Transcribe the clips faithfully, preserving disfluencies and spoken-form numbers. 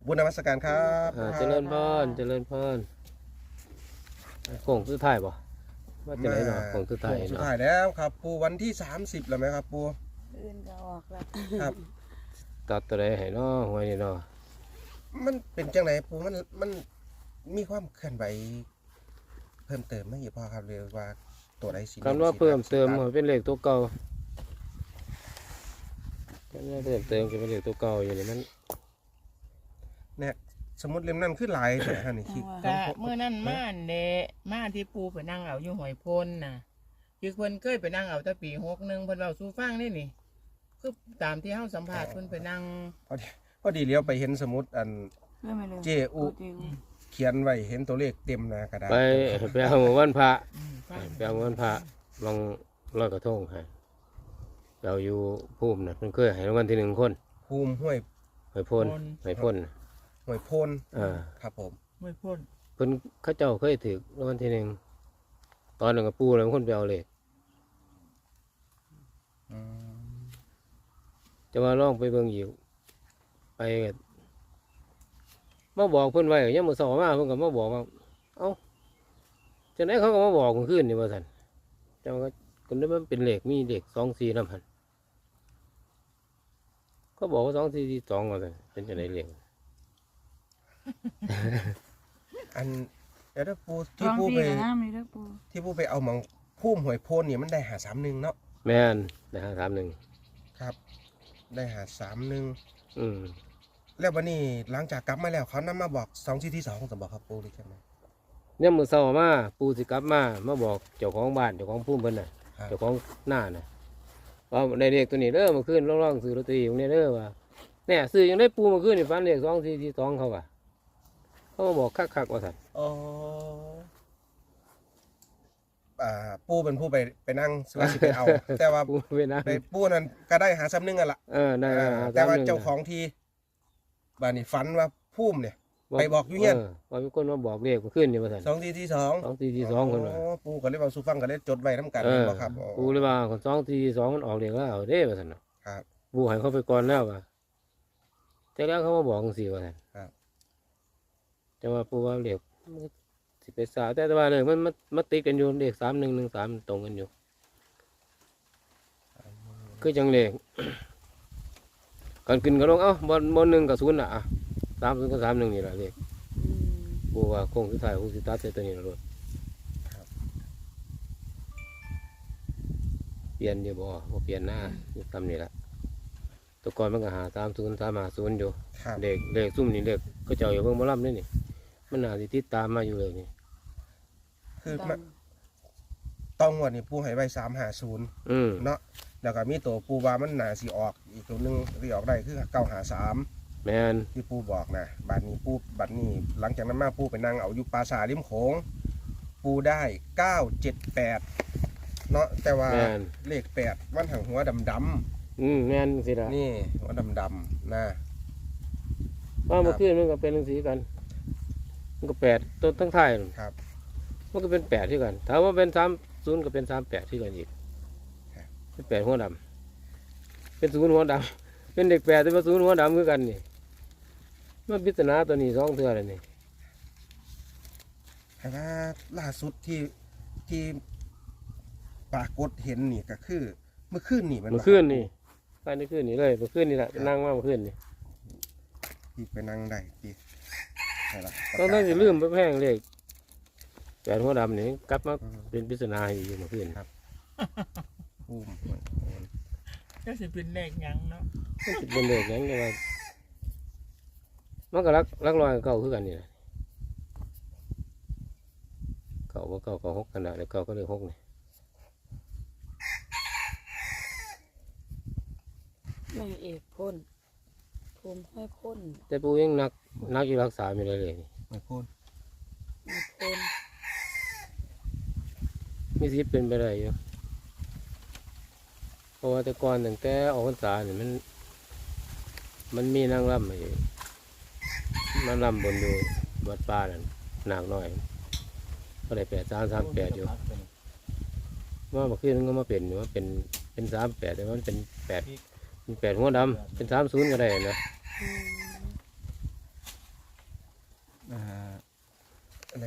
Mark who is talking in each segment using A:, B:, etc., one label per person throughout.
A: บุญนมัสการครับ
B: อ่าเจริญพรเจริญพรโค้งสุดท้ายบ่ว่าจะไหนเนาะโค้งสุดท้าย
A: โค้งสุด
B: เนาะ
A: ท้ายแล้วครับปูวันที่สามสิบแล้วไหมครับปู
C: อื่นก็ออกแล้ว
A: ครับ
B: ตัดตัวใดให้เนาะหวยนี่เนาะ
A: มันเป็นจังไหนปูมันมันมีความเคลื่อนไหวเพิ่มเติมไหมพ่อครับเรียกว่าตัวใดสิ
B: คำว่าเพิ่มเติมให้เป็นเลขตัวเก่าคำว่าเพิ่มเติมก็เป็นเลขตัวเก่าอยู่นี่มัน
A: เนี่ยสมมติเล่มนั้นขึ้นหลายแต่ฮะนี่คิด
D: กะเมื่อนั้นมาอันเดะมาที่ปูไปนั่งเอาอยู่หอยพนน่ะคือเพิ่นเคยไปนั่งเอาแต่ปีหกหนึ่งเพิ่นเราสู้ฟังนี่นี่คือตามที่เฮาสัมภาษณ์เพิ่นไปนั่ง
A: พอดีพอดีเลี้ยวไปเห็นสมุดอัน
C: เรื่องไม่เลย
A: เจอุเขียนไว้เห็นตัวเลขเต็มหน้ากระดาษ
B: ไปไปเอาหมู่วันพระ
D: อืมฟัง
B: ไปเอาหมู่วันพระลองลอยกระทงให้ไปเอาอยู่ภูมิน่ะเพิ่นเคยให้รางวัลที่หนึ่งคน
A: ภูมิห้วย
B: หอยพ่นหอยพ่น
A: ห้วยโพน
B: อ่า
A: ครับผม
D: ไม่พ้น
B: เพิ่นเขาเจ้าเคยถือรางวัลที่หนึ่งตอนหนึ่งกับปูเลยคนไปเอาเลข
A: อืม
B: จะมาลองไปเบิ่งอีกไปก็มาบอกเพิ่นไว้ยังมื้อเช้ามาเพิ่นก็มาบอกว่าเอ้าจังได๋เขาก็มาบอกเมื่อคืนนี่ว่าซั่นแต่ว่าคนนั้นมันเป็นเลขมีเลขสองสี่นำหั่นเขาบอกว่าสองสี่สี่สองว่าซั่นเป็นจังได๋เลข
A: อันเดี๋ยวถ้าปู
C: ท้
A: ที่
C: อง
A: ปู
C: พี่
A: ไป
C: กับน้ำเลยเด้อปู
A: ที่ปูไปเอาหมองภูมิห้วยโพนเนี่ยมันได้หาสามหนึ่งเนาะ
B: แม่นนะฮะถามหนึ่ง
A: ครับ ได้หาสามหนึ่ง
B: อืม
A: แล้ววันนี้หลังจากกลับมาแล้วเขานำมาบอกสองที่ที่สองจะบอกครับปูหรือใช่ไหม
B: เนี่ยมื้อเช้ามาปูสิกลับมามาบอกเจ้าของบ้านเจ้าของภูมิเพิ่นน่ะ
A: ครับ
B: เจ้าของหน้าน่ะว่าได้เลขตัวนี้เด้อเมื่อคืนลองๆซื้อลอตเตอรี่ของเนี่ยเด้อว่าเนี่ยซื้อยังได้ปูเมื่อคืนนี่ฟันเลขสองสี่สี่สองเขาว่ะเขามาบอกคักๆว่าซั่น
A: อ๋ออ่าปูเป็นผู้ไปไปนั่งสวัสดิไปเอา แต่ว่า
B: ปูไปนะ
A: ไปปูนั้นก็ได้หาซ้ำหนึงกันละ
B: เออได้
A: อ่า
B: ห
A: แต่ว่า
B: สมหนึ่
A: เจ้าของทีบ้านนี้ฝันว่าภูมิเนี่ย ไปบอกอยู่เฮียน
B: ว่ามีคนมาบอกเลขเมื่อคืนนี่ว่าซั่น
A: สองที่ที่สอง
B: สองสี่สี่สองคนว่า
A: ปูก็เลยเอาสู้ฟังก็เลยจดไว้น้ำกัน
B: เออ
A: บอกครับอ๋อ
B: ปูเลยว่าคนสองสี่สี่สองมันออกเลขแล้วเอาเด้ว่าซั่นน่ะ
A: ครับ
B: ปูให้เขาไปก่อนแล้วว่ะแต่แล้วเขามาบอกจังซี่ว่าซั่น
A: ครับ
B: แต่ว่าปูว่าเลขมันสิไปสาวแต่ว่าเลยมันมันมันติดกันอยู่เลขสามหนึ่งหนึ่งสามตรงกันอยู่คือจังเลข ก่อนขึ้นก็ลงเอ้าบอลบอลหนึ่งกับศูนย์อ่ะอ่ะสามศูนย์กับสามหนึ่งนี่แหละเลข
C: อืม
B: ปูว่าโค้งสุดท้ายคูสิตัดเซตัวนี้ละรถ
A: ครับ
B: เปลี่ยนอยู่บ่บ่เปลี่ยนหน้าอยู่ตามนี่ละแตัวก่อนมันก็หาสามศูนย์สามหาศูนย์อยู่
A: ครับ
B: เลขเลขซุ่มนี่เลขก็เจ้าอยู่เบิ่งบ่ล่ำนี่นี่มันน่าสิติดตามมาอยู่เลยนี่
A: คือ
C: ต้
A: มั
C: อน ง
A: ต้องงวดนี่ปูให้ไว้สามหาศูนย์
B: อืม
A: เนาะแล้วก็มีตัวปูว่ามันหนาสีออกอีกตัวหนึงที่ออกได้คือเก้าหาสาม
B: แม่น
A: ที่ปูบอกนะบัดนี้ปูบัดนี้หลังจากนั้นมาปูไปนั่งเอาอยู่ปราสาทริมโขงปูได้เก้าเจ็ดแปดเนาะแต่ว่า
B: แม่น
A: เลขแปดมันหังหัวดำด
B: อืมแม่นสิล่ะ
A: ำนี่หัวดำดำๆนะ
B: ว่าเมื่อคืนมันก็เป็นจังซี่กัน มันก็แปดต้นทั้งท้ายนั่น
A: ครับ
B: มันก็เป็นแปดที่กันถามว่าเป็นสามศูนย์ก็เป็นสามแปดที่กันอีกเป็นแปดหัวดำเป็นศูนย์หัวดำเป็นเด็กแปดแต่ว่าศูนย์หัวดำคือกันนี่มันพิจารณาตัวนี้สองเทื่อเลยนี่
A: แต่ว่าล่าสุดที่ที่ปรากฏเห็นนี่ก็คือ เมื่อคืนนี่มัน
B: เมื่อคืนนี่ไปในคืนนี่เลยเมื่อคืนนี่แหละไปนั่งมาเมื่อคืนนี่
A: ที่ไปนั่งได้ที่ใช่ละ
B: ต้องต้องจะลืมไปแพงเลยแปดหัวดำนี่กลับมาเป็นพิจารณาอยู่เมื่อคืน
A: ปูม
D: ก็สิเป็นเลขหยังเนาะ
B: มันสิเป็นเด็กหยังไงว่ามันก็รักรักรอยเก่าคือกันนี่แหละเก่าว่าเก่าเก่าหกขนาดเดียวเก่าก็เลยหกนี่
C: ไม่เอกพ่นภูมิห้อยพ่น
B: แต่ปูยังนักนักอยู่รักษาไม่ได้เลยนี่
A: ไม่พูด
C: มีพ่น
B: มีสิทธิ์เป็นไปได้อยู่เพราะว่าแต่ก่อนตั้งแต่ออกพรรษาเนี่ยมัน มันมีนางรำมาอยู่มันรำบนอยู่วัดป่านั่นหนักหน่อยก็ได้แปดสามสามแปดอยู่ว่าเมื่อคืนมันก็มาเป็นอยู่ว่าเป็นเป็นสามแปดแต่ว่ามันเป็นแปดเป็นแปดหัวดำเป็นสามศูนย์ก็ได้นะ
C: อืม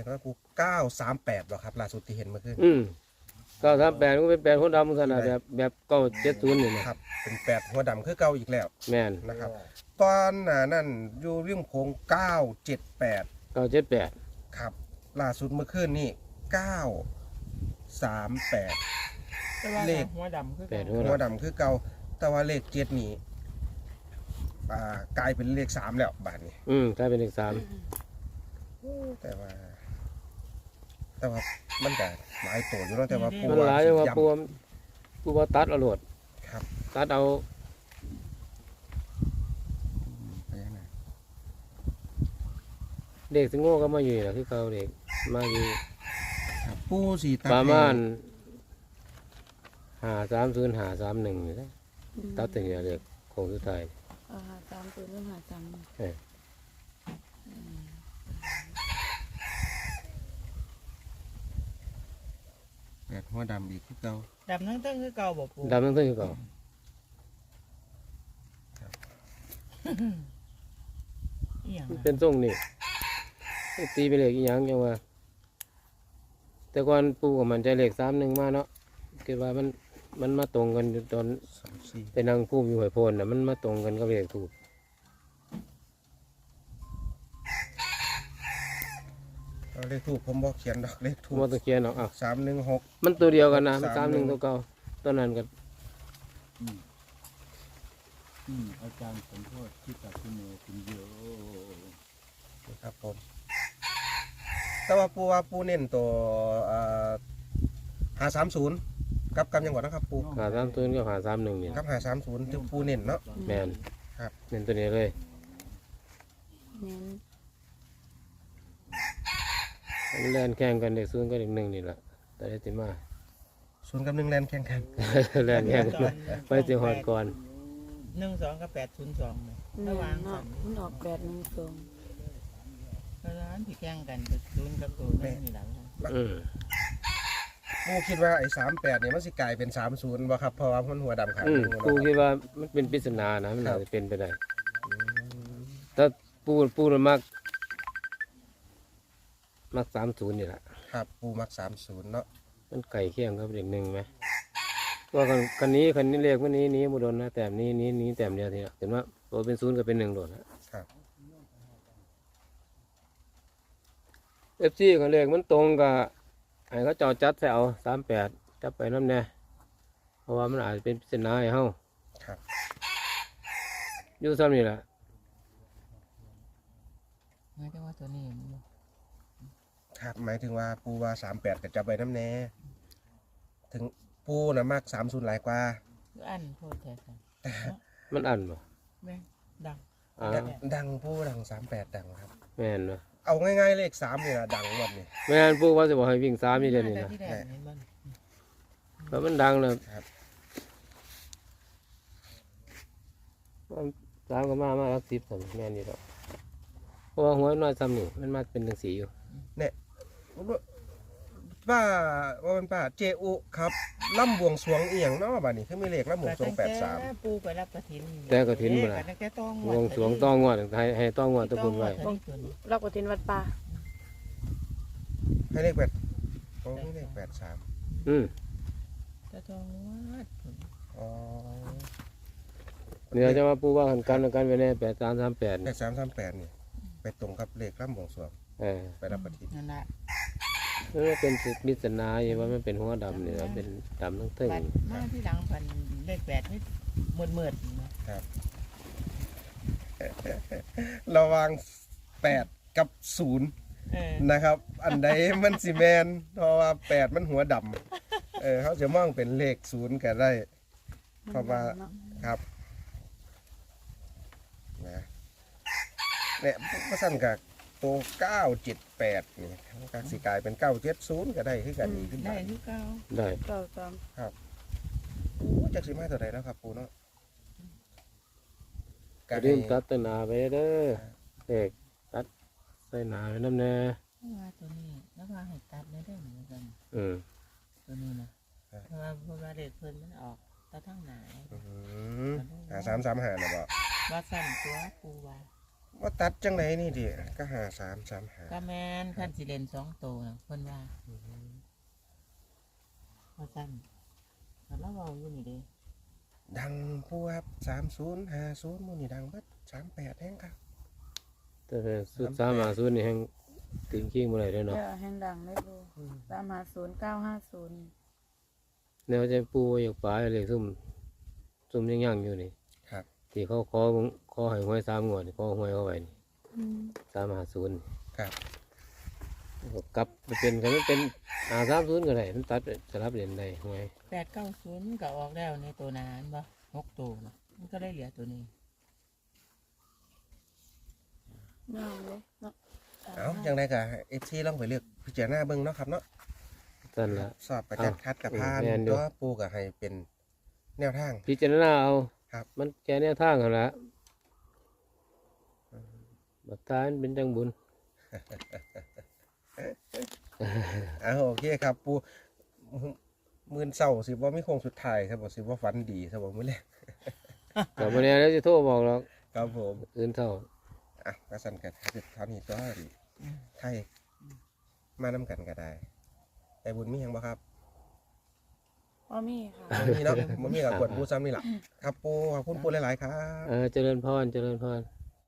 A: ก็ปูเก้าสามแปดหรอครับล่าสุดที่เห็นเมื่อคืน
B: อืมเก้าสามแปดก็เป็นแปดหัวดำขนาดแบบแบบเก้าเจ็ดศูนย์นี่นะครับ
A: เป็นแปดหัวดำคือเก่าอีกแล้ว
B: แม่น
A: นะครับตอนหน้านั่นอยู่ริมโค้งเก้าเจ็ดแปด
B: เก้าเจ็ดแปด
A: ครับล่าสุดเมื่อคืนนี่เก้าสามแปด
D: แต่ว่า
A: เลข
D: หัวดำคือ
B: แปด
D: กัน
B: หัว
A: หัว
B: ดำ
A: ดำคือเก่าแต่ว่าเลขเจ็ดนี่อ่ากลายเป็นเลขสามแล้วบาทนี้
B: อืมกลายเป็นเลขสาม
A: แต่ว่า แต่ว่ามันก็หลายตัวอยู่เนาะแต่ว่าปู
B: มันหลายจังว่า
A: ย้ำ
B: ปูว่าปูว่าตัดเอาโลด
A: ครับ
B: ตัดเอา
A: ไปยังไง
B: เด็กสิงโง่ก็มาอยู่นี่ล่ะคือเก่าเด็กมาอยู่
A: ครับปูสีตัด
B: ประ
A: ให้
B: มาณห้าสามศูนย์ห้าสามหนึ่งนี่แหละ
C: อืม
B: ตัดถึงเนี่ยเด็กโค้งสุดท้าย
C: เอาหาสามตัวเรื่องหาสาม
B: เออ
A: แปดหัวดำอีกคือเก่า
D: ดำทั้งเต้นคือเก่าบ่ปู
B: ดำทั้งเต้นคือเก่า
D: อีหยัง
B: มัน
D: อะ
B: เป็นทรงนี่ตีเป็นเลขอีหยังจังว่า แต่ก่อนปูกับมันใจเลขสามหนึ่งมาเนาะคิดว่ามันมันมาตรงกันอยู่ตอน
A: สามสี่
B: ไปนั่งพูมอยู่หอยโพนน่ะมันมาตรงกันกับเลขถูก
A: เอาเลขถูกผมบอกเขียนดอกเลขถูก
B: มาตะเคียนเนาะอ่ะ
A: สามหนึ่งหก
B: มันตัวเดียวกันนะมันสา
A: สาม ม
B: ห
A: หนึ่
B: นึ่ง
A: ง
B: ตัวเก่าตัวนั้นก็
E: อืมอาจารย์สมโพธิที่ตัดคุณโนคุณเยอะ
A: ครับผม แต่ว่าปูว่าปูเน้นตัวหาสามศูนย์กับกำยังกว่านะครับปู
B: หาสามตัวก็หาสามหนึ่งนี่
A: กับหาสามศูนย์ที่ปูเน้นเนาะ
B: แมน
A: ครับ
B: เน้นตัวนี้เลย
C: เน้น
B: มันแล่นแข่งกันเด็กศูนย์ก็เด็กหนึ่งนี่แหละแต่ได้ติมา
A: ศูนย์กับหนึ่งแลนแข่งกัน
B: แล่นแข่งกันไปสิหอดก่อน
D: หนึ่งสองกับแปดศูนย์สองเลย
C: เน้
D: ระ
C: น
D: หว่าง
C: เนาะ
D: สัน
C: มันออกแปดหนึ่งสอง
D: เพราะฉะนั้นที่แข่งกันก็ศูนย์กับตัวนั่นนี่แหละ
B: อืม
A: ปูคิดว่าไอ้สามแปดเนี่ยมันสิกลายเป็นสามศูนย์บ่ครับเพราะว่ามันหัวดำขาง
B: อื
A: ห
B: ม
A: นึ่ง
B: ปู
A: เนาะ
B: คิดว่ามันเป็นปริศนานะมัน
A: ครั
B: อา
A: บ
B: จจะเป็นไปได้ถ้าปูปูมันมักมักสามศูนย์นี่แหละ
A: ครับปูมักสามศูนย์เนาะ
B: มันไก่เคี่ยงกับเด็กหนึ่งไหมว่าคันคันนี้คันนี้เลขวันนี้นี้บุดนนะแต้มนี้นี้นี้แต้มเดียวทีละเห็นว่าตัวเป็นศูนย์ก็เป็นหนึ่งโดดนะครับ เอฟซีของเลขมันตรงกับไอ้เขาเจาจัดใส่เอาสามแปดจับไปน้ำแน่เพราะว่ามันอาจจะเป็นปริศนาให้เฮา
A: ครับ
B: อยู่ซ้ำนี่แหละ
D: ไม่ได้ว่าตัวนี้มันบ่
A: ครับหมายถึงว่าปูว่าสามแปดกับจับใบน้ำแน่ถึงปูนะมักสามศูนย์หลายกว่า
D: คืออันโพดแท้กัน
B: มันอันบ่
D: แม่งดัง
B: อ่า
A: ดังดังปูดังสามแปดดังครับ
B: แม่นบ่
A: เอาง่ายๆเลขสามนี่นะดังหมดนี่
B: แม่นปูว่าจะบอกให้วิ่งสามนี่เดี๋ยวนี้
D: แต่
B: นะ
D: ที่แดงเห็นบ่
B: เพราะมันดังเลย
A: ครับ
B: สามก็มามารักสิบผมแม่นอยู่แล้วเพราะว่าหัวน้อยซ้ำนี่มันมาเป็นหนังสีอยู่
A: ป้าว่าเป็นป้าเจอุครับล่ำบวงสรวงเอียงเนาะบ้านี้คือมีเลขล่ำบวงสรวงแปดสาม
D: แต่ปูไปรับกระถิน
B: แต่กระถินบ่ล่ะ
D: แต่แต่ต้อง
B: วงสรวงต้องงวดให้ให้ต้องงวดตะกุนไว้
C: เราก็เทนวัดป่า
A: ให้เลขแปดโอ้มีเลขแปดสาม
B: อืม
D: แต่ต้องวัด
A: อ๋อ
B: เดี๋ยวจะมาปูว่ากันกันกันไว้แน่แปดสามสามแปด
A: แปดสามสามแปดนี่ไปตรงกับเลขล่ำบวงสรวง
B: เออ
A: ไปรับปฏิทิน
D: นั่นแหละ
B: มันเป็นสิมิสนาอยู่ว่ามันเป็นหัวดำเนี่ยเป็นดำทั้งทึ่ง
D: บัดมาที่หลังพันเลขแปดนี่เมืดๆนะ
A: ระหวังแปดกับศูนย์
D: เออ
A: นะครับ อันใดมันสิแมนเพราะว่าแปดมันหัวดำเออเขาจะมองเป็นเลขศูนย์ก็ได้ เพราะว่า
C: เนาะ
A: ครับนะเนี่ยพระสั้นกับตัวเก้าเจ็ดแปดนี่กักสิกลายเป็นเก้าเจ็ดศูนย์ก็ได้คือกันอีกขึ้น
D: ได้
A: ไป
D: ที่เก้า
B: ได้
C: เก้าสาม
A: โอ้จักสิมาตัวใดแล้วครับปูเนาะ
B: กระดิ่งตัดต้นนาไปเด้อเด็กตัดใส่หนาไปน้ำแน่
D: ว่าตัวนี้แล้วว่าให้ตัดได้ได้เหมือนกัน
B: อืม
D: ตัวนี้นะเพราะว่าเพราะว่าเลขเพิ่นมันออกตาทั้งหนา
A: อืมหาสามสามหานะบ่
D: ว่าสั่นตัวปูว่า
A: อว่าตัดจังไหนนี่ดิก็หาสามสามหา
D: ก็แม่นคันสิเล่นสองโตน่ะเพิ่นว่าว่าซั่นแล้วเราเว้าอยู่นี่เด้
A: ดังปูครับสามศูนย์ห้าศูนย์มูนี่ดังเบิดสามแปดแห้งครับ
B: แต่สุดสามหาศูนย์นี่แห่งถึงขี้บ่ได้เด้อ
C: เดี๋
B: เนาะ
C: ยวแห่งดังเลยปูสามห้าศูนย์เก้าห้าศูนย์
B: แนวใจปูอยากปลาเลยซุ่มซุ่มยังย่างอยู่นี่
A: ครับ
B: ที่เขาขอขอให้หวยสามงวดนี่ขอหวยเข้าไปนี่
C: อืม
B: สามหาศูนย์
A: ครับ
B: กลับไปเป็นกันมันเป็นหาสามศูนย์ก็ได้มันตัดสลับเล่นได้หวย
D: แปดเก้าศูนย์มันก็ออกแล้วในตัวหนาอันบ่หกตัวน่ะมันก็ได้เหลือตัวนี้
C: ไม่เอาเลยเนาะ
A: เอาจังไดก็เอฟซีลองไปเลือกพิจารณาเบิ่งเนาะครับเนาะ
B: นั่นละ
A: สอบประจัดคัดกับพาน
B: แม่นอยู่
A: ตัวปูก็ให้เป็นแนวทาง
B: พิจารณาเอา
A: ครับ
B: มันแค่แนวทางกันละบัตรตายมันเป็นจังบุญ
A: อ่าโอเคครับปูมื่นเศร้าสิว่าไม่คงสุดท้ายครับบอกสิว่าฝันดีครับบอกมื้อแรก
B: กับวันนี้แล้วจะโทรบอกหรอก
A: ครับผม
B: อื่นเท่า
A: อ่ะก็สั่นกันเท่านี้ตัวไทยมานำกันก็ได้แต่บุญมีหยังบ่ครับ
C: พ่อมีค่ะ
A: บ่มีเนาะบ่มีกับกวนปูซ้ำนี่ล่ะครับปูขอบคุณปูหลายๆครับ
B: เออเจริญพรเจริญพร